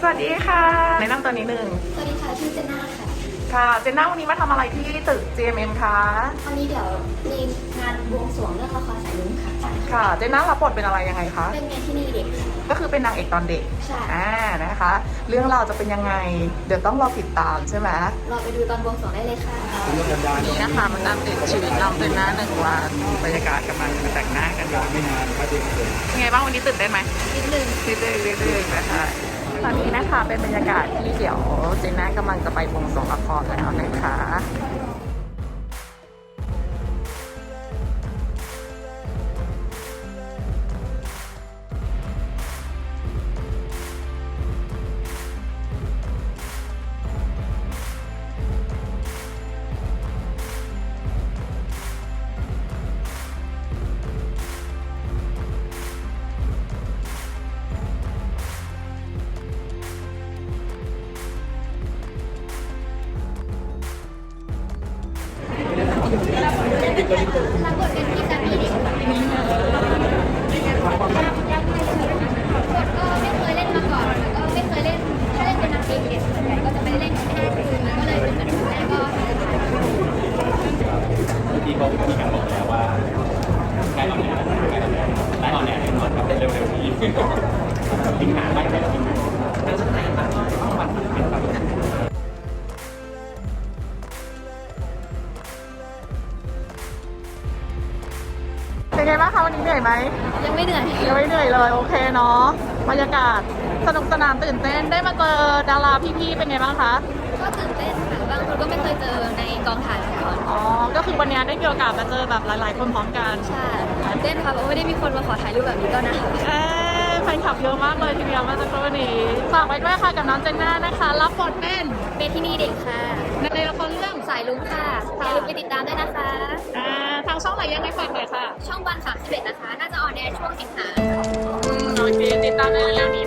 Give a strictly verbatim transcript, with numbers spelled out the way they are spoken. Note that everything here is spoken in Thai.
สวัสดีค่ะแนะนำตัวนิดนึงสวัสดีค่ะชื่อเจนน่าค่ะค่ะเจนน่าวันนี้มาทำอะไรที่ตึก จี เอ็ม เอ็ม คะวันนี้เดี๋ยวมีงานบวงสรวงเรื่องละครสายลุ้งค่ะค่ะเจนน่ารับบทเป็นอะไรยังไงคะเป็นเมียที่นี่เด็กค่ะก็คือเป็นนางเอกตอนเด็กใช่อ่านะคะ เรื่องราวจะเป็นยังไงเดี๋ยวต้องรอติดตามใช่ไหมรอไปดูตอนบวงสรวงได้เลยค่ะนี่นะคะมันตามติดชีวิตน้องเจนน่าหนึ่งวันบรรยากาศกำลังแต่งหน้ากันอยู่ไม่นานก็ดีเลยยังไงบ้างวันนี้ตื่นเต้นไหมนิดนึงนิดนึงนิดนึงนะคะตอนนี้นะคะเป็นบรรยากาศที่เดี๋ยวเจนน่ากำลังจะไปบวงสรวงละครแล้วนะคะรับบทเป็นพี่สามีเด็กค่ะบทก็ไม่เคยเล่นมาก่อนแล้วก็ไม่เคยเล่นถ้าเล่นเป็นนางเอกเด็กส่วนใหญ่ก็จะไม่ได้เล่นแค่คืนมันก็เลยเป็นแบบแรกก็ที่เขามีการบอกแล้วว่าใกล้ออนแอร์ใกล้ออนแอร์ใกล้ออนแอร์แน่นอนครับเร็วๆนี้สิงหาไม่ไปแล้วจริงๆเราจะไหนบ้างต้องบัตรเป็นแบบเป็นไงบ้างคะวันนี้เหนื่อยไหมยังไม่เหนื่อยยังไม่เหนื่อยเลยโอเคเนาะบรรยากาศสนุกสนานตื่นเต้นได้มาเจอดาราพี่ๆเป็นไงบ้างคะก็ตื่นเต้นค่ะบางคนก็ไม่เคยเจอในกองถ่ายมาก่อนอ๋อก็คือวันนี้ได้มีโอกาสมาเจอแบบหลายๆคนพร้อมกันใช่ตื่นเต้นค่ะเพราะไม่ได้มีคนมาขอถ่ายรูปแบบนี้ก็นะเอ๊แฟนคลับเยอะมากเลยทีเดียวมาจากตัวนี้ฝากไว้ด้วยค่ะกับน้องเจนน่านะคะรับบทเป็นเมทินีเด็กค่ะในละครเรื่องสายลุ้งค่ะอย่าลืมไปติดตามด้วยนะคะอ่าทางช่องไหนยังไงฝากหน่อยค่ะช่องวันสามสิบเอ็ดนะคะน่าจะออนแอร์ช่วงสิงหาอืมโอเคติดตามในเร็วๆนี้